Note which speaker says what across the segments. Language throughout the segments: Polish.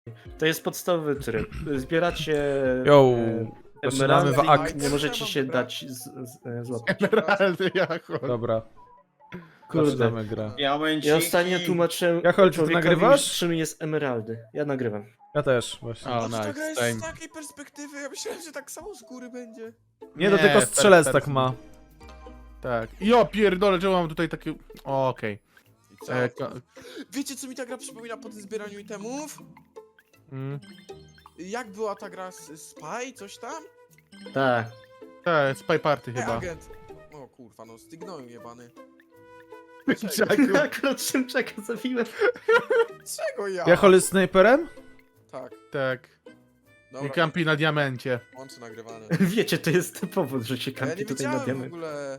Speaker 1: To jest podstawowy tryb. Zbieracie
Speaker 2: Yo, zaczynamy
Speaker 1: emeraldy
Speaker 2: w akt.
Speaker 1: i nie możecie się dać złapać.
Speaker 3: Emeraldy, Jacho.
Speaker 2: Dobra,
Speaker 1: Kurde.
Speaker 2: zaczynamy grę.
Speaker 1: Ja ostatnio tłumaczyłem
Speaker 2: Jachol, czy ty
Speaker 1: człowiekowi,
Speaker 2: nagrywasz?
Speaker 1: czym jest emeraldy. Ja nagrywam.
Speaker 2: Ja też, właśnie.
Speaker 3: O,
Speaker 4: Ta gra
Speaker 3: nice,
Speaker 4: jest
Speaker 3: same.
Speaker 4: z takiej perspektywy, ja myślałem, że tak samo z góry będzie.
Speaker 2: Nie, to tylko strzelec
Speaker 3: per-
Speaker 2: tak ma.
Speaker 3: Tak. Jo, pierdolę, czemu mam tutaj takie... O, okej.
Speaker 4: I co? Wiecie, co mi ta gra przypomina po tym zbieraniu itemów?
Speaker 3: Mm.
Speaker 4: Jak była ta gra Spy, coś tam?
Speaker 1: Tak.
Speaker 3: Tak, Spy Party chyba.
Speaker 4: Agent. O kurwa, no stygnąłem jebany.
Speaker 3: Czaku.
Speaker 1: Akurat Szymczaka zabiłem.
Speaker 4: Czego ja?
Speaker 2: Jachol jest snajperem?
Speaker 4: Tak,
Speaker 3: Tak.
Speaker 4: dobra,
Speaker 3: I kampi na diamencie.
Speaker 4: łączy nagrywane.
Speaker 1: Wiecie, to jest powód, że się
Speaker 4: Ja
Speaker 1: kampi
Speaker 4: nie
Speaker 1: tutaj na
Speaker 4: wiedziałem w
Speaker 1: diament.
Speaker 4: ogóle.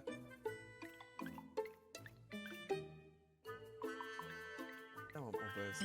Speaker 4: Ja mam OBS-a.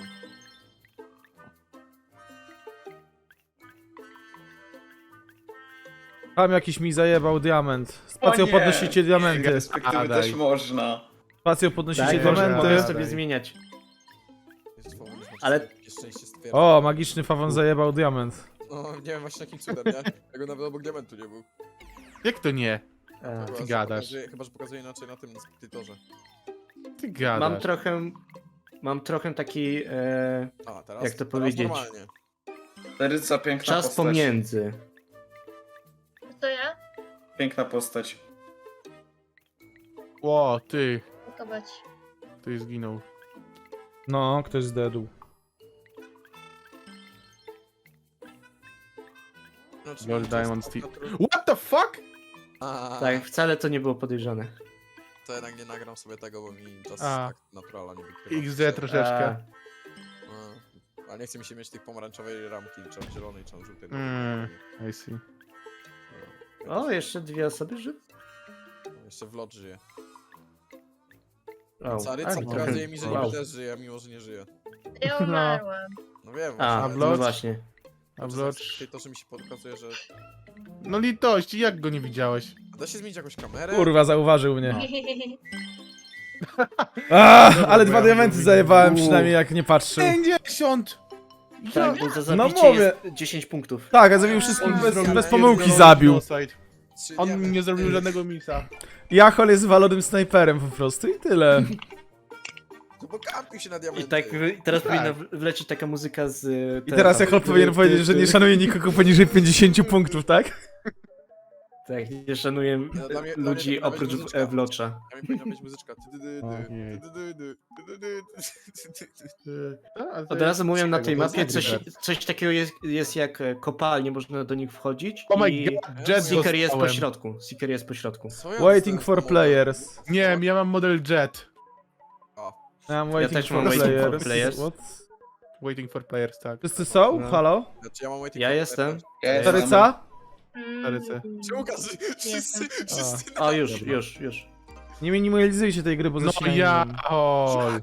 Speaker 2: Tam jakiś mi zajebał diament. Spacją
Speaker 5: nie.
Speaker 2: podnosicie diamenty.
Speaker 5: Perspektywy
Speaker 3: A, daj.
Speaker 5: też można.
Speaker 2: Spacją podnosicie
Speaker 1: Tak, mogę
Speaker 2: diamenty.
Speaker 1: sobie zmieniać.
Speaker 4: Jest słowo, niż
Speaker 1: Ale-
Speaker 4: Ale... szczęście stwierdza.
Speaker 2: O, magiczny fawon zajebał diament.
Speaker 4: No, nie wiem właśnie jakim cudem, nie? Tego nawet obok diamentu nie był.
Speaker 3: Jak to nie?
Speaker 4: Chyba, że
Speaker 3: gadasz.
Speaker 4: Chyba, że pokazuje inaczej na tym edytorze.
Speaker 3: Ty gadasz.
Speaker 1: Mam trochę taki
Speaker 4: A, teraz?
Speaker 1: Jak to
Speaker 4: teraz
Speaker 1: powiedzieć?
Speaker 4: Normalnie.
Speaker 5: Taryca, piękna
Speaker 1: czas
Speaker 5: postać.
Speaker 1: pomiędzy.
Speaker 6: To ja?
Speaker 5: Piękna postać.
Speaker 3: O, ty.
Speaker 6: Zobacz.
Speaker 3: Ty zginął.
Speaker 2: No, ktoś zdedł.
Speaker 4: Znaczy,
Speaker 3: Lol,
Speaker 4: to
Speaker 3: Diamond
Speaker 4: jest
Speaker 3: Steel.
Speaker 4: natural-
Speaker 3: What the fuck?
Speaker 4: A,
Speaker 1: Tak, wcale to nie było podejrzane.
Speaker 4: To jednak nie nagram sobie tego, bo mi czas
Speaker 3: A.
Speaker 4: tak naturala nie wykrywa.
Speaker 3: XD troszeczkę.
Speaker 4: Ale nie chce mi się mieć tych pomarańczowej ramki, czy zielonej, czy żółtej.
Speaker 3: I see.
Speaker 1: O, jeszcze dwie osoby żyły.
Speaker 4: Jeszcze Vlot żyje.
Speaker 1: O,
Speaker 4: Caryca
Speaker 1: a,
Speaker 4: pokazuje mi, że
Speaker 1: wow.
Speaker 4: niby też żyje, mimo że nie żyje.
Speaker 6: Ja umarłam.
Speaker 4: No wiem,
Speaker 1: A,
Speaker 3: A
Speaker 1: no
Speaker 3: Vlot?
Speaker 1: właśnie.
Speaker 3: A Vlocz...
Speaker 4: To, że mi się pokazuje, że...
Speaker 3: No litości, jak go nie widziałeś?
Speaker 4: A da się zmienić jakąś kamerę?
Speaker 2: Kurwa, zauważył mnie.
Speaker 3: No.
Speaker 2: Ale dwa diamenty zajebałem przynajmniej jak nie patrzył.
Speaker 3: 50!
Speaker 1: Tak, bo za
Speaker 2: No
Speaker 1: zabicie
Speaker 2: mówię.
Speaker 1: jest 10 punktów.
Speaker 2: Tak, a zabił wszystkich
Speaker 4: On
Speaker 2: bez,
Speaker 4: zrobił
Speaker 2: bez
Speaker 4: pierdolony
Speaker 2: pomyłki zabił.
Speaker 3: Genocide.
Speaker 4: Trzy
Speaker 3: On
Speaker 4: diamenty.
Speaker 3: nie zrobił żadnego misa.
Speaker 2: Jachol jest walonym snajperem po prostu i tyle.
Speaker 4: No bo kampił się na
Speaker 1: I
Speaker 4: diamenty.
Speaker 1: tak teraz powinna wlecieć taka muzyka z...
Speaker 2: I teraz Jachol powinien powiedzieć, że nie szanuje nikogo poniżej 50 punktów, tak?
Speaker 1: Tak, nie szanuję
Speaker 4: No, dla mnie
Speaker 1: ludzi
Speaker 4: powinna być
Speaker 1: oprócz
Speaker 4: muzyczka.
Speaker 1: Wlocza.
Speaker 4: Ja mi powinna być muzyczka.
Speaker 3: Ojej.
Speaker 1: Od razu mówię na tej
Speaker 3: To jest
Speaker 1: mapie,
Speaker 3: Angry
Speaker 1: coś takiego jest jak kopalnie, można do nich wchodzić
Speaker 3: Oh my
Speaker 1: i
Speaker 3: god, Jet
Speaker 1: Seeker jest po
Speaker 3: dostałem.
Speaker 1: środku. Seeker jest po środku.
Speaker 4: Co ja
Speaker 2: Waiting
Speaker 4: dostałem
Speaker 2: for
Speaker 4: za
Speaker 2: players.
Speaker 3: Nie, ja mam model Jet.
Speaker 2: I'm waiting
Speaker 1: też
Speaker 2: for
Speaker 1: mam waiting for
Speaker 2: players.
Speaker 1: players.
Speaker 2: What?
Speaker 3: Waiting for players, tak.
Speaker 2: Wszyscy są?
Speaker 1: No.
Speaker 2: Halo?
Speaker 4: Znaczy, ja mam waiting
Speaker 1: Ja
Speaker 4: for
Speaker 1: jestem.
Speaker 4: players.
Speaker 5: Ja jestem.
Speaker 2: Taryca?
Speaker 3: Taryce.
Speaker 4: Czy Łukasz, wszyscy
Speaker 1: O, już.
Speaker 2: Nie minimalizujcie tej gry, bo
Speaker 3: No
Speaker 2: zaczynają.
Speaker 3: ja... Oj.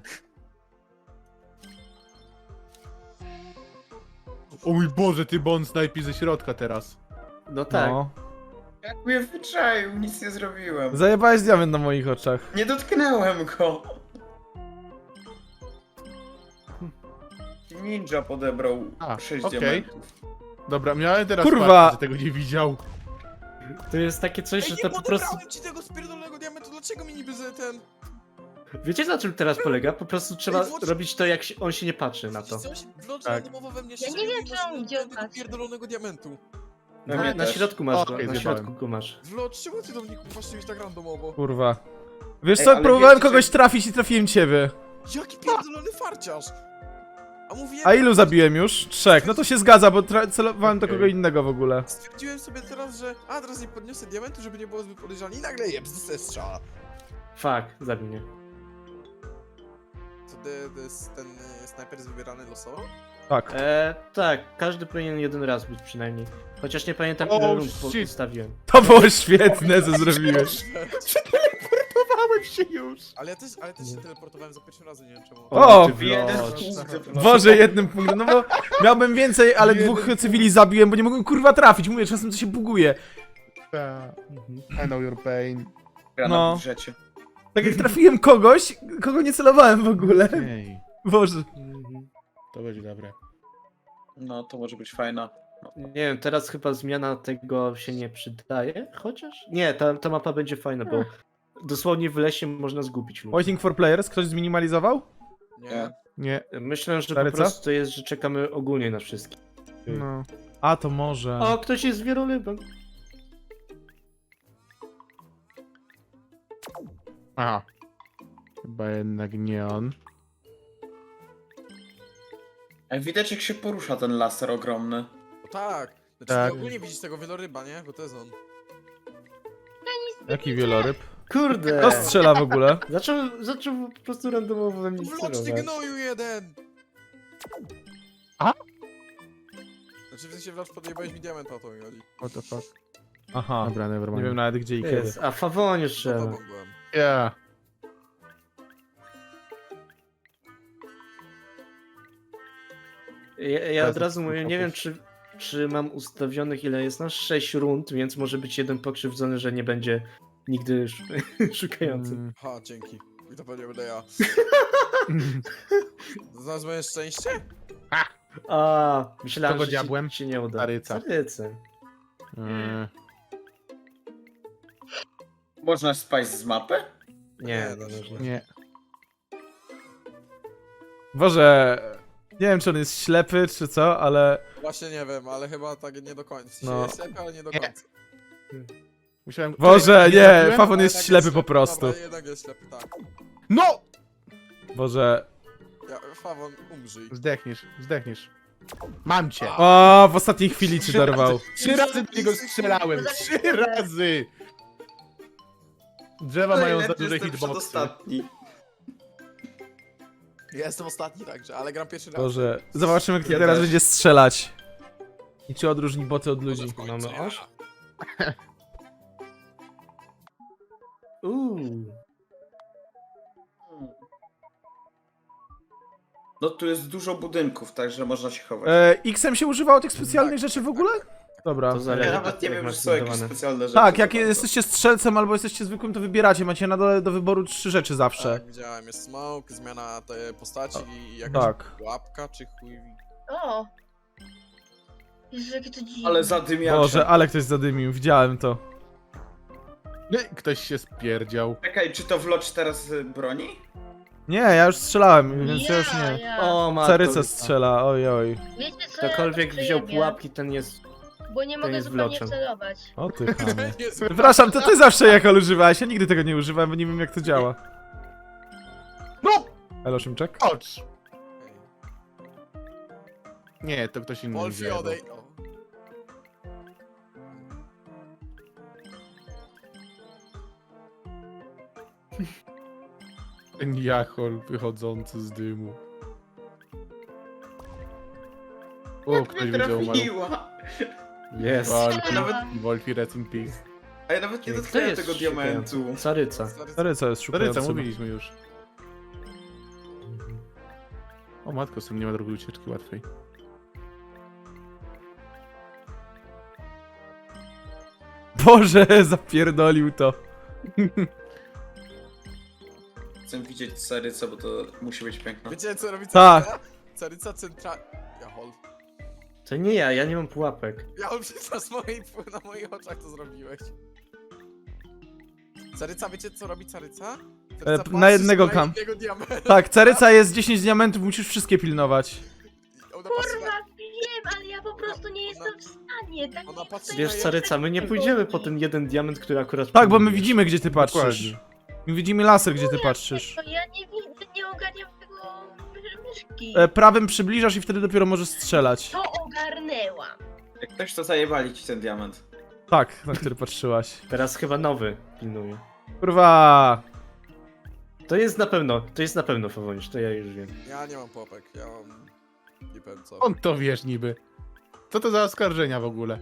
Speaker 3: O mój Boże, ty bon snajpi ze środka teraz.
Speaker 1: No tak.
Speaker 2: No.
Speaker 5: Jak mnie wyczaił, nic nie zrobiłem.
Speaker 2: Zajebałeś diament na moich oczach.
Speaker 5: Nie dotknęłem go. Ninja podebrał
Speaker 3: A,
Speaker 5: 6
Speaker 3: okej.
Speaker 5: diamentów.
Speaker 3: Dobra, miałem teraz
Speaker 2: Kurwa.
Speaker 3: farta, że tego nie widział.
Speaker 1: To jest takie coś,
Speaker 4: Ej,
Speaker 1: że
Speaker 4: nie
Speaker 1: to po prostu...
Speaker 4: podebrałem ci tego spierdolonego diamentu, dlaczego mi niby ten...
Speaker 1: Wiecie na czym teraz polega? Po prostu trzeba
Speaker 4: Ej, włącz-
Speaker 1: robić to, jak on się nie patrzy na to.
Speaker 4: Coś? Vlot
Speaker 3: Tak.
Speaker 4: randomowo we mnie
Speaker 6: Ja nie
Speaker 4: strzelił,
Speaker 6: wiem,
Speaker 4: mimo
Speaker 6: czy
Speaker 4: że
Speaker 6: on
Speaker 4: nie
Speaker 6: gdzie
Speaker 4: miałem tego
Speaker 6: patrzy.
Speaker 4: pierdolonego diamentu.
Speaker 5: We mnie
Speaker 1: Na
Speaker 5: też.
Speaker 1: środku masz go,
Speaker 3: Okej,
Speaker 1: na
Speaker 3: zjebałem.
Speaker 1: środku go masz.
Speaker 4: Vlot, czemu ty do mnie patrzyłeś tak randomowo?
Speaker 2: Kurwa. Wiesz
Speaker 5: Ej,
Speaker 2: co,
Speaker 5: ale
Speaker 2: próbowałem
Speaker 5: wiecie,
Speaker 2: kogoś
Speaker 5: że-
Speaker 2: trafić i trafiłem ciebie.
Speaker 4: Jaki pierdolony farciarz! A mówiłem...
Speaker 2: A ilu zabiłem już? 3. No to się zgadza, bo celowałem do
Speaker 3: Okej.
Speaker 2: kogo innego w ogóle.
Speaker 4: Stwierdziłem sobie teraz, że teraz nie podniosę diamentu, żeby nie było zbyt podejrzane i nagle jeb, dostaję strzała.
Speaker 1: Fuck, zabij mnie.
Speaker 4: Co ten snajper jest wybierany losowo?
Speaker 2: Tak.
Speaker 1: Tak, każdy powinien jeden raz być przynajmniej. Chociaż nie pamiętam,
Speaker 3: Oh,
Speaker 1: ile rund
Speaker 3: shit.
Speaker 1: postawiłem.
Speaker 2: To było świetne, co zrobiłeś.
Speaker 3: Teleportowałem się już.
Speaker 4: Ale ja też się teleportowałem za pierwszym razem, nie wiem czemu.
Speaker 2: O!
Speaker 1: ty
Speaker 5: Jeden
Speaker 1: Vlocz.
Speaker 5: punkt.
Speaker 2: Boże, jednym punktem, no bo miałbym więcej, ale dwóch cywili zabiłem, bo nie mogłem kurwa trafić. Mówię, czasem to się buguje.
Speaker 3: I know your pain.
Speaker 5: Gra
Speaker 2: No.
Speaker 5: na budżecie.
Speaker 2: Tak jak trafiłem kogoś, kogo nie celowałem w ogóle.
Speaker 3: Ej,
Speaker 2: Boże.
Speaker 3: to będzie dobre.
Speaker 5: No, to może być fajna.
Speaker 1: Nie wiem, teraz chyba zmiana tego się nie przydaje, chociaż? Nie, ta mapa będzie fajna, bo dosłownie w lesie można zgubić ludzi.
Speaker 2: Waiting for players, ktoś zminimalizował?
Speaker 4: Nie.
Speaker 2: Nie.
Speaker 1: Myślę, że
Speaker 2: Stary,
Speaker 1: po
Speaker 2: co?
Speaker 1: prostu to jest, że czekamy ogólnie na wszystkich.
Speaker 2: No. A, to może.
Speaker 1: O, ktoś jest wielolybem.
Speaker 3: Aha. Chyba jednak nie on.
Speaker 5: Widać jak się porusza ten laser ogromny.
Speaker 4: No tak. Znaczy
Speaker 3: Tak.
Speaker 4: ty ogólnie widzisz tego wieloryba, nie? Bo to jest on.
Speaker 2: Jaki wieloryb?
Speaker 1: Kurde!
Speaker 2: Kto strzela w ogóle?
Speaker 1: Zaczął po prostu randomowo we mnie
Speaker 4: Wloczny
Speaker 1: sterować.
Speaker 4: gnoju jeden!
Speaker 3: A?
Speaker 4: Znaczy w sensie wlocz podjebałeś mi diamenta, o to mi chodzi.
Speaker 3: What the fuck.
Speaker 2: Aha.
Speaker 3: Dobra,
Speaker 2: Nie
Speaker 3: nevermind.
Speaker 2: wiem nawet gdzie i kiedy.
Speaker 1: Jest, a Fawonie
Speaker 4: Za
Speaker 1: strzela.
Speaker 4: tobą byłem.
Speaker 3: Yeah.
Speaker 1: Ja od razu mówię,
Speaker 3: Fokus.
Speaker 1: nie wiem czy mam ustawionych ile jest nas? 6 rund, więc może być jeden pokrzywdzony, że nie będzie nigdy szukający.
Speaker 4: Ha, dzięki. I to pewnie będę ja. Znasz moje szczęście?
Speaker 1: A, myślałem,
Speaker 3: Kogo
Speaker 1: że
Speaker 3: diabłem?
Speaker 1: ci nie uda.
Speaker 3: Caryca.
Speaker 1: Carycy.
Speaker 5: Można spaść z mapy?
Speaker 1: Nie,
Speaker 4: Nie,
Speaker 1: no
Speaker 4: też
Speaker 1: można.
Speaker 3: Nie.
Speaker 2: Boże, nie wiem czy on jest ślepy czy co, ale...
Speaker 4: Właśnie nie wiem, ale chyba tak nie do końca. W sensie
Speaker 2: No.
Speaker 4: jest ślepy, ale nie do
Speaker 3: Nie.
Speaker 4: końca.
Speaker 3: Musiałem...
Speaker 2: Boże, nie,
Speaker 3: trafiłem?
Speaker 2: Fawon
Speaker 4: Ale
Speaker 2: jest
Speaker 4: jednak
Speaker 2: ślepy po prostu.
Speaker 4: Dobra, jednak jest ślepy, tak.
Speaker 3: No!
Speaker 2: Boże...
Speaker 4: Fawon, umrzyj.
Speaker 3: Zdechniesz. Mam cię.
Speaker 2: O, w ostatniej chwili ci dorwał.
Speaker 3: 3 razy do niego strzelałem. 3 razy! Drzewa mają za
Speaker 5: Najlepszy
Speaker 3: duże
Speaker 5: jestem
Speaker 3: hitboxy.
Speaker 5: przedostatni.
Speaker 4: Ja jestem ostatni także, ale gram pierwszy raz.
Speaker 2: Boże, zobaczymy kto
Speaker 5: Ja
Speaker 2: teraz
Speaker 5: też.
Speaker 2: będzie strzelać. I czy odróżni boty od ludzi.
Speaker 4: W końcu
Speaker 1: Mamy
Speaker 4: ja.
Speaker 1: oś?
Speaker 5: No tu jest dużo budynków, także można się chować.
Speaker 2: X-em się używało tych specjalnych rzeczy w ogóle? Dobra.
Speaker 1: To zależy.
Speaker 5: Ja nawet nie
Speaker 1: jak
Speaker 5: wiem,
Speaker 1: masz
Speaker 5: czy są jakieś
Speaker 1: zbudowane.
Speaker 5: specjalne rzeczy.
Speaker 2: Tak, jak
Speaker 5: za bardzo.
Speaker 2: jesteście strzelcem albo jesteście zwykłym, to wybieracie. Macie na dole do wyboru 3 rzeczy zawsze.
Speaker 4: Tak, widziałem, jest smoke, zmiana tej postaci i jakaś
Speaker 2: Tak.
Speaker 4: łapka czy chuj.
Speaker 6: O! Jezu, jakie to dziwne.
Speaker 5: Ale zadymiacze.
Speaker 2: Boże, ale ktoś zadymił, widziałem to.
Speaker 3: Ktoś się spierdział.
Speaker 5: Czekaj, czy to Vlocz teraz broni?
Speaker 2: Nie, ja już strzelałem, więc ja już nie.
Speaker 6: Ja.
Speaker 1: O, matko.
Speaker 2: Caryca strzela, oj oj.
Speaker 6: Wiecie co,
Speaker 1: Ktokolwiek
Speaker 6: ja to
Speaker 1: wziął
Speaker 6: przejebię,
Speaker 1: pułapki, ten jest...
Speaker 6: Bo nie mogę
Speaker 1: jest
Speaker 6: zupełnie
Speaker 1: wloczem.
Speaker 6: celować.
Speaker 2: O ty chamie.
Speaker 4: Jest
Speaker 2: Przepraszam, to ty zawsze Jachol używałeś, ja nigdy tego nie używałem, bo nie wiem jak to działa.
Speaker 3: No!
Speaker 2: Elo, Szymczek?
Speaker 3: Ocz! Nie, to ktoś inny.
Speaker 4: Wolfie
Speaker 3: zjadł.
Speaker 4: odej... O.
Speaker 3: Ten jachol wychodzący z dymu. O,
Speaker 5: Jak
Speaker 3: ktoś
Speaker 5: mnie
Speaker 3: widział umarł.
Speaker 5: trafiła?
Speaker 1: Jest.
Speaker 3: Wolfi, rest in peace.
Speaker 5: A ja nawet nie
Speaker 1: Kto
Speaker 5: dotknąłem
Speaker 1: jest
Speaker 5: tego diamentu.
Speaker 1: Caryca.
Speaker 2: Caryca jest
Speaker 3: Staryca,
Speaker 2: szukający.
Speaker 3: mówiliśmy już. O matko, z tym nie ma drugiej ucieczki łatwej.
Speaker 2: Boże, zapierdolił to.
Speaker 5: Chcę widzieć Carycę, bo to musi być piękne.
Speaker 4: Wiecie co robi
Speaker 2: Tak.
Speaker 4: Caryca? Caryca centra... Jahol.
Speaker 1: To nie ja nie mam pułapek.
Speaker 4: Jahol, przecież na moich oczach to zrobiłeś. Caryca, wiecie co robi Caryca? Caryca
Speaker 2: na
Speaker 4: patrzy
Speaker 2: jednego
Speaker 4: na
Speaker 2: kam.
Speaker 4: jednego diamenta.
Speaker 2: Tak, Caryca jest 10 diamentów, musisz wszystkie pilnować.
Speaker 4: Ona patrzy
Speaker 6: Kurwa,
Speaker 4: na...
Speaker 6: wiem, ale ja po prostu nie jestem w stanie. Tak
Speaker 4: Ona
Speaker 6: nie
Speaker 4: patrzy
Speaker 6: chcę.
Speaker 1: Wiesz, Caryca, my nie pójdziemy po ten jeden diament, który akurat...
Speaker 2: Tak, bo my
Speaker 1: pilnujesz.
Speaker 2: widzimy gdzie ty patrzysz.
Speaker 3: Dokładnie.
Speaker 2: My widzimy laser gdzie ty patrzysz.
Speaker 6: To ja nie widzę, nie ogarniam tego myszki.
Speaker 2: Prawym przybliżasz i wtedy dopiero możesz strzelać.
Speaker 6: To ogarnęłam.
Speaker 5: Jak ktoś to zajebali ci ten diament.
Speaker 2: Tak, na który patrzyłaś.
Speaker 1: Teraz chyba nowy pilnuje.
Speaker 2: Kurwa.
Speaker 1: To jest na pewno Fawonisz, to ja już wiem.
Speaker 4: Ja nie mam popek, ja mam... Nie powiem co.
Speaker 3: On to wiesz niby. Co to za oskarżenia w ogóle?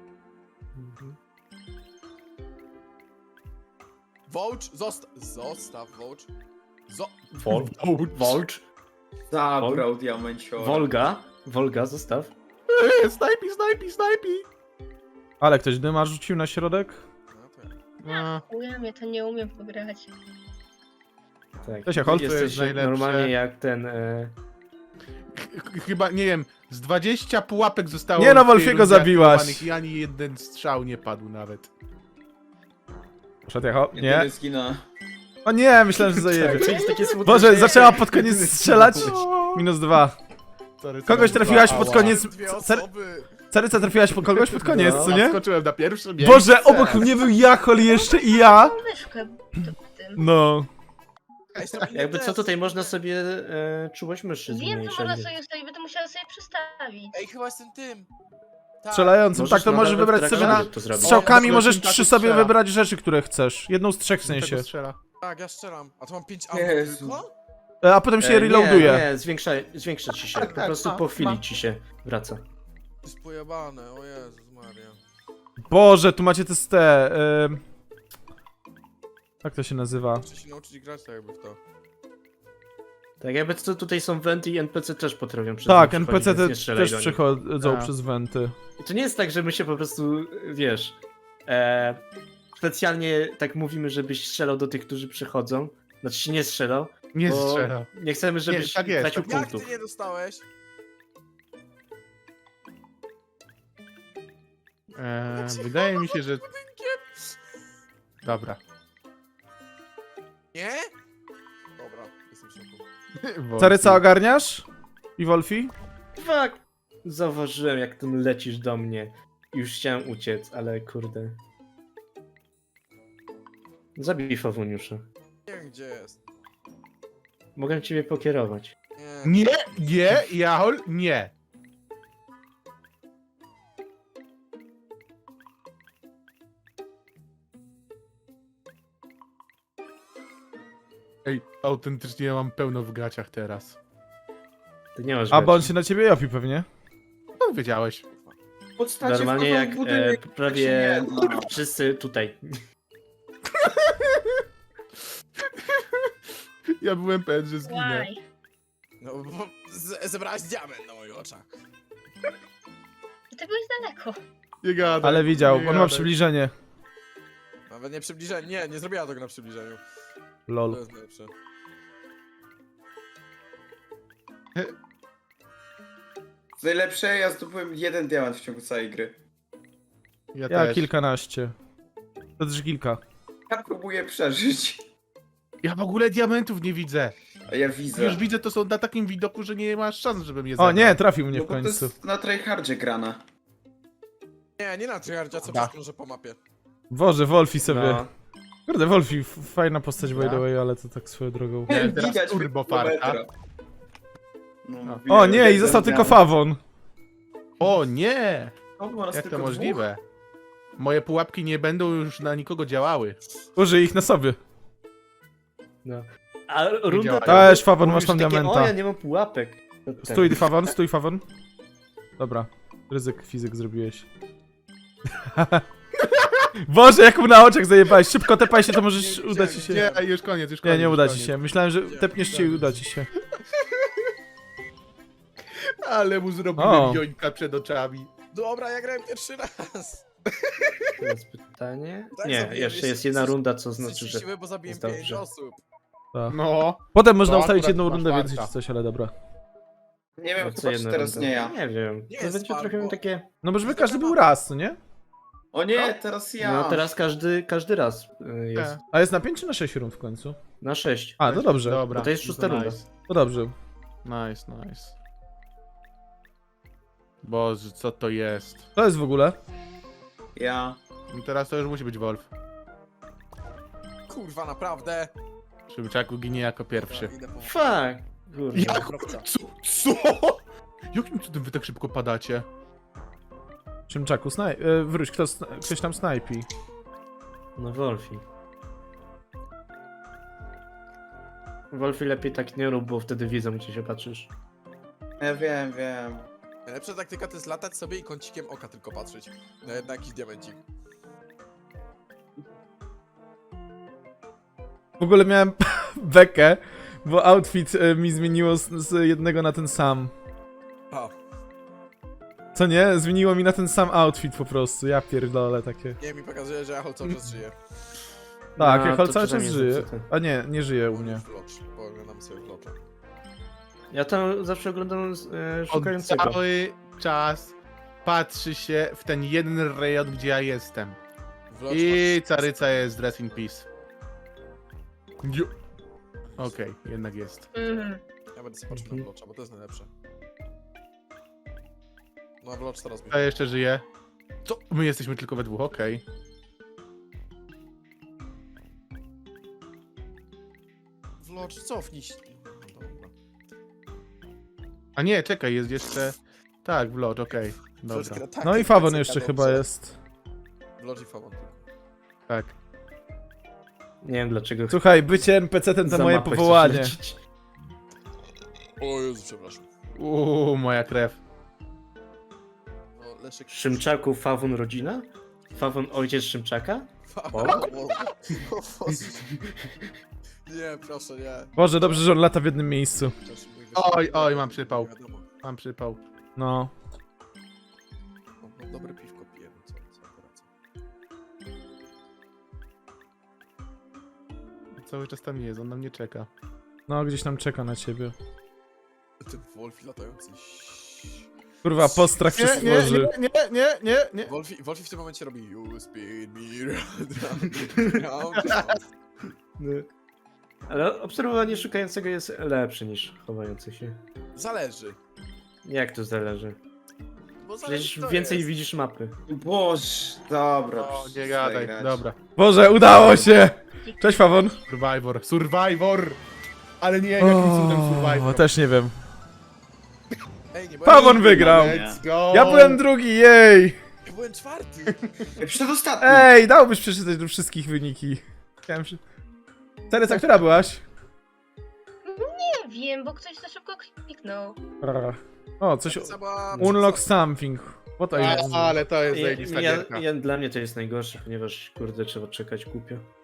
Speaker 4: Wołcz, zostaw Wołcz.
Speaker 1: Volcz,
Speaker 5: Zabrał diamenciora.
Speaker 1: Wolga, zostaw.
Speaker 3: Snajpi!
Speaker 2: Ale ktoś dyma rzucił na środek?
Speaker 4: No to ja.
Speaker 3: No,
Speaker 6: Ja to nie umiem pograć.
Speaker 1: Tak.
Speaker 2: Cześć, Jachol.
Speaker 1: Jesteś
Speaker 3: najlepsze.
Speaker 1: normalnie jak ten...
Speaker 3: chyba, nie wiem, Z 20 pułapek zostało...
Speaker 2: Nie no,
Speaker 3: w tej
Speaker 2: Wolfiego
Speaker 3: rundzie
Speaker 2: zabiłaś.
Speaker 3: aktywowanych I ani jeden strzał nie padł nawet.
Speaker 2: Poszedł Jacho? Nie.
Speaker 5: Jedyny zgina.
Speaker 2: O nie, myślałem, że zajebie.
Speaker 1: To jest takie smutne,
Speaker 2: Boże,
Speaker 1: że-
Speaker 2: zaczęła pod koniec strzelać. -2.
Speaker 3: Sorry,
Speaker 2: Kogoś
Speaker 3: sorry,
Speaker 2: trafiłaś
Speaker 3: ała.
Speaker 2: pod koniec.
Speaker 4: Dwie
Speaker 2: Cer-
Speaker 4: osoby.
Speaker 2: Caryca, trafiłaś po kogoś pod koniec,
Speaker 1: No.
Speaker 2: co nie?
Speaker 3: Skoczyłem na pierwsze miejsce.
Speaker 2: Boże, obok mnie był Jachol jeszcze i ja.
Speaker 6: Mam myszkę w tym.
Speaker 2: No.
Speaker 4: Ej, zrobimy
Speaker 1: Jakby co
Speaker 4: test.
Speaker 1: tutaj można sobie czułość myszy
Speaker 6: Wiem, że
Speaker 1: zmniejszać.
Speaker 6: można sobie ustawić, będę musiała sobie przestawić.
Speaker 4: Ej, chyba jestem tym. Tak.
Speaker 2: Strzelającym, tak to
Speaker 1: na
Speaker 2: możesz
Speaker 1: nawet
Speaker 2: wybrać
Speaker 1: trakcie
Speaker 2: sobie na...
Speaker 1: to zrobić.
Speaker 2: Strzałkami
Speaker 3: O,
Speaker 2: możesz
Speaker 3: tak
Speaker 2: 3 sobie
Speaker 3: strzela.
Speaker 2: wybrać rzeczy, które chcesz. Jedną z 3 w sensie.
Speaker 3: Czego strzela?
Speaker 4: Tak, ja strzelam. A to mam 5
Speaker 5: Jezu.
Speaker 4: aut tylko?
Speaker 2: A potem się reloaduje.
Speaker 1: Nie, zwiększa ci się. Po prostu po chwili ci się wraca.
Speaker 4: To jest pojebane, o Jezus Maria.
Speaker 2: Boże, tu macie te... Jak to się nazywa?
Speaker 4: Muszę się nauczyć grać tak jakby w to.
Speaker 1: Tak jakby co tutaj są wenty i NPC też potrafią przez
Speaker 2: Tak,
Speaker 1: nie
Speaker 2: NPC
Speaker 1: przechodzić, więc nie strzelaj
Speaker 2: też
Speaker 1: do nich.
Speaker 2: przechodzą
Speaker 3: Tak.
Speaker 2: przez wenty.
Speaker 1: I to nie jest tak, że my się po prostu, wiesz, specjalnie tak mówimy, żebyś strzelał do tych, którzy przychodzą. Znaczy się nie strzelał,
Speaker 3: Nie
Speaker 1: bo
Speaker 3: strzela.
Speaker 1: nie chcemy, żebyś
Speaker 3: tak jest,
Speaker 1: tracił
Speaker 3: tak
Speaker 4: Jak
Speaker 1: punktów.
Speaker 4: ty nie dostałeś?
Speaker 3: Wydaje mi się, że... Dobra.
Speaker 4: Nie? Dobra, jestem w szoku.
Speaker 3: Wolfi.
Speaker 2: Caryca ogarniasz? I Wolfi?
Speaker 1: Fuck! Zauważyłem, jak tym lecisz do mnie. Już chciałem uciec, ale kurde. Zabij Fawuniusza.
Speaker 4: Nie wiem gdzie jest.
Speaker 1: Mogę ciebie pokierować.
Speaker 4: Nie.
Speaker 3: Nie, Jachol, nie. Ej, autentycznie ja mam pełno w gaciach teraz.
Speaker 1: Ty nie masz
Speaker 2: A, bo on
Speaker 1: gaci.
Speaker 2: się na ciebie jopi pewnie.
Speaker 3: No, wiedziałeś.
Speaker 5: Podstacie
Speaker 1: Normalnie
Speaker 5: wchodzą
Speaker 1: jak
Speaker 5: w budynek, tak się
Speaker 1: prawie
Speaker 5: nie da.
Speaker 1: wszyscy tutaj.
Speaker 3: Ja byłem pewien, że zginę.
Speaker 6: Why?
Speaker 4: No bo zebrałeś diament na moich oczach.
Speaker 6: I ty byłeś daleko.
Speaker 3: Nie gadaj.
Speaker 2: Ale widział,
Speaker 3: nie
Speaker 2: on ma
Speaker 3: gadaj.
Speaker 2: przybliżenie.
Speaker 4: Nawet nie przybliżenie, nie zrobiła tego na przybliżeniu. To
Speaker 2: Lol.
Speaker 4: jest najlepsze.
Speaker 5: Co najlepsze, ja zdobyłem 1 diament w ciągu całej gry.
Speaker 3: Ja
Speaker 2: Ja
Speaker 3: też.
Speaker 2: kilkanaście. To też kilka.
Speaker 5: Ja próbuję przeżyć.
Speaker 3: Ja w ogóle diamentów nie widzę.
Speaker 5: A ja widzę.
Speaker 3: Już widzę, to są na takim widoku, że nie masz szans, żebym je
Speaker 2: O
Speaker 3: zabrał.
Speaker 2: nie, trafił mnie
Speaker 5: No
Speaker 2: w
Speaker 5: bo to
Speaker 2: końcu.
Speaker 5: jest na tryhardzie grana.
Speaker 4: Nie na tryhardzie, co
Speaker 3: Da.
Speaker 4: przeszkążę po mapie.
Speaker 2: Boże, Wolfi sobie.
Speaker 1: No.
Speaker 2: Kurde, Wolfi, fajna postać by
Speaker 3: Ja?
Speaker 2: the way, ale to tak swoją drogą.
Speaker 3: Miałem teraz
Speaker 5: Widać
Speaker 3: turbo
Speaker 5: kilometra.
Speaker 3: farta.
Speaker 5: No,
Speaker 3: O.
Speaker 5: mówiłem,
Speaker 2: O nie, i
Speaker 5: jeden
Speaker 2: został tylko
Speaker 5: diament.
Speaker 2: Fawon.
Speaker 3: O nie!
Speaker 5: O, bo nas
Speaker 3: Jak to
Speaker 5: tylko
Speaker 3: możliwe? Moje pułapki nie będą już na nikogo działały.
Speaker 2: Użyj ich na sobie.
Speaker 1: No. A runda
Speaker 3: działa.
Speaker 1: ta-
Speaker 2: Też Fawon, masz
Speaker 1: mówisz
Speaker 2: tam
Speaker 1: takie,
Speaker 2: diamenta.
Speaker 1: O, ja nie mam pułapek. To ten.
Speaker 2: Stój Fawon, stój Fawon. Dobra, ryzyk fizyk zrobiłeś. Boże, jak mu na oczach zajebałeś. Szybko tepaj się, to możesz
Speaker 4: Nie,
Speaker 2: uda ci się.
Speaker 3: Nie, już koniec, już koniec.
Speaker 2: Nie, nie
Speaker 3: już
Speaker 2: uda ci
Speaker 3: koniec.
Speaker 2: się. Myślałem, że tepniesz się i uda ci się.
Speaker 3: Ale mu
Speaker 2: O.
Speaker 3: zrobiłem jońka przed oczami.
Speaker 4: Dobra, ja grałem pierwszy raz.
Speaker 1: Teraz pytanie.
Speaker 4: Tak,
Speaker 1: Nie,
Speaker 4: zabiłem,
Speaker 1: jeszcze jest
Speaker 4: jeszcze
Speaker 1: jedna
Speaker 4: coś-
Speaker 1: runda, co znaczy, że...
Speaker 4: Szczęśliwy, bo zabiłem
Speaker 1: jest
Speaker 4: 5
Speaker 1: dobrze.
Speaker 4: osób.
Speaker 2: Tak.
Speaker 3: No.
Speaker 2: Potem można
Speaker 3: To
Speaker 2: ustawić
Speaker 3: akurat
Speaker 2: jedną
Speaker 3: masz
Speaker 2: rundę więcej
Speaker 3: farta.
Speaker 2: czy coś, ale dobra.
Speaker 5: Nie wiem,
Speaker 1: Co
Speaker 5: chyba
Speaker 1: jedna
Speaker 5: czy teraz
Speaker 1: runda?
Speaker 5: nie ja.
Speaker 1: Nie wiem.
Speaker 4: Nie
Speaker 1: To
Speaker 4: jest
Speaker 1: będzie trochę
Speaker 4: farbo.
Speaker 1: takie...
Speaker 2: No bo żeby każdy był raz, co nie?
Speaker 5: O nie, teraz ja.
Speaker 1: No teraz każdy raz jest.
Speaker 2: A jest na 5 czy na 6 rund w końcu?
Speaker 1: Na 6.
Speaker 2: A, to dobrze.
Speaker 3: Dobra.
Speaker 1: Bo to jest szósta runda.
Speaker 3: Nice,
Speaker 2: To dobrze.
Speaker 3: nice. Boże, co to jest?
Speaker 2: To jest w ogóle.
Speaker 5: Ja.
Speaker 3: No teraz to już musi być Wolf.
Speaker 4: Kurwa, naprawdę.
Speaker 3: Szybczaku ginie jako pierwszy.
Speaker 4: Idę po...
Speaker 1: Fuck! Kurde.
Speaker 3: Jak? Co? Jakim cudem wy tak szybko padacie?
Speaker 2: Szymczaku, wróć, ktoś tam snajpi.
Speaker 1: No Wolfi. Wolfi lepiej tak nie rób, bo wtedy widzą, gdzie się patrzysz.
Speaker 5: Ja wiem.
Speaker 4: Najlepsza taktyka to jest latać sobie i kącikiem oka tylko patrzeć. Na jakiś diamencik.
Speaker 2: W ogóle miałem bekę, bo outfit mi zmieniło z jednego na ten sam.
Speaker 4: A,
Speaker 2: Co nie? Zmieniło mi na ten sam outfit po prostu. Ja pierdolę takie.
Speaker 4: nie, mi pokazuje, że Jachol cały czas żyje.
Speaker 2: Tak,
Speaker 1: No,
Speaker 2: Jachol
Speaker 1: to
Speaker 2: cały czas
Speaker 1: przynajmniej
Speaker 2: żyje.
Speaker 1: zepsute.
Speaker 2: A nie, nie żyje u mnie.
Speaker 4: Vlog, pooglądam sobie vlog.
Speaker 1: Ja tam zawsze oglądam szukającego.
Speaker 3: Cały czas patrzy się w ten jeden rejon, gdzie ja jestem.
Speaker 4: Vlog,
Speaker 3: I Caryca jest dress in peace. Okej, jednak jest.
Speaker 4: Ja będę sobie patrzył na Vlogcha, bo to jest najlepsze. No Vlog teraz mi.
Speaker 3: Kto jeszcze żyje? Co? My jesteśmy tylko we dwóch, okej.
Speaker 4: Vlog, cofnij się. No, dobra.
Speaker 3: A nie, czekaj, jest jeszcze... Tak, vlog, okej.
Speaker 4: Vlog
Speaker 3: Dobra,
Speaker 4: gra tak,
Speaker 2: No i
Speaker 4: jak
Speaker 2: Fawon
Speaker 4: PCK
Speaker 2: jeszcze
Speaker 4: dobrze.
Speaker 2: chyba jest.
Speaker 4: Vlog i Fawon.
Speaker 3: tak.
Speaker 1: Nie wiem dlaczego.
Speaker 2: Słuchaj, bycie NPC-tem to
Speaker 1: za
Speaker 2: moje
Speaker 1: mapę chcesz
Speaker 2: powołanie.
Speaker 1: lecieć.
Speaker 4: O Jezu, przepraszam.
Speaker 3: Moja krew.
Speaker 4: No, Leszek...
Speaker 1: Szymczaku Fawon rodzina? Fawon ojciec Szymczaka?
Speaker 4: Fawon. O Boże. Nie, proszę, nie.
Speaker 2: Boże, dobrze, że on lata w jednym miejscu.
Speaker 4: Proszę, mój
Speaker 3: Oj,
Speaker 4: Boże.
Speaker 3: oj, mam przypał.
Speaker 4: Nie wiadomo.
Speaker 3: Mam przypał.
Speaker 2: No.
Speaker 4: No, dobre piwko piję, no co poradzę.
Speaker 3: Cały czas tam jest, on na mnie czeka.
Speaker 2: No, gdzieś tam czeka na ciebie.
Speaker 4: Ten Wolfi latający.
Speaker 2: Kurwa, postrach się stworzy.
Speaker 3: nie.
Speaker 4: Wolfi w tym momencie robi You spin me round, round.
Speaker 1: No. Ale obserwowanie szukającego jest lepsze niż chowający się.
Speaker 4: Zależy.
Speaker 1: Jak to zależy?
Speaker 4: Bo zależy,
Speaker 1: Przecież
Speaker 4: kto
Speaker 1: więcej
Speaker 4: jest.
Speaker 1: widzisz mapy.
Speaker 5: Boże, dobra.
Speaker 3: O, nie
Speaker 5: przestań
Speaker 3: gadaj,
Speaker 5: grać.
Speaker 3: dobra.
Speaker 2: Boże, udało się! Cześć, Fawon.
Speaker 3: Survivor! Ale nie, jakim cudem
Speaker 2: O,
Speaker 3: Survivor?
Speaker 2: też nie wiem.
Speaker 4: Ej, nie
Speaker 2: Fawon
Speaker 4: byłem,
Speaker 2: wygrał!
Speaker 3: Let's go!
Speaker 2: Ja byłem drugi, jej!
Speaker 4: ja byłem czwarty.
Speaker 5: Ej, przedostatni.
Speaker 2: Ej, dałbyś przeczytać do wszystkich wyniki. Chciałem się... Tereca, która byłaś?
Speaker 6: Nie wiem, bo ktoś za szybko kliknął.
Speaker 2: O, coś...
Speaker 4: Zaba-
Speaker 2: Unlock something. What are you...
Speaker 3: Ale to jest
Speaker 1: Ja,
Speaker 3: zajebista
Speaker 1: ja,
Speaker 3: gierka.
Speaker 1: ja, dla mnie to jest najgorsze, ponieważ kurde trzeba czekać głupio.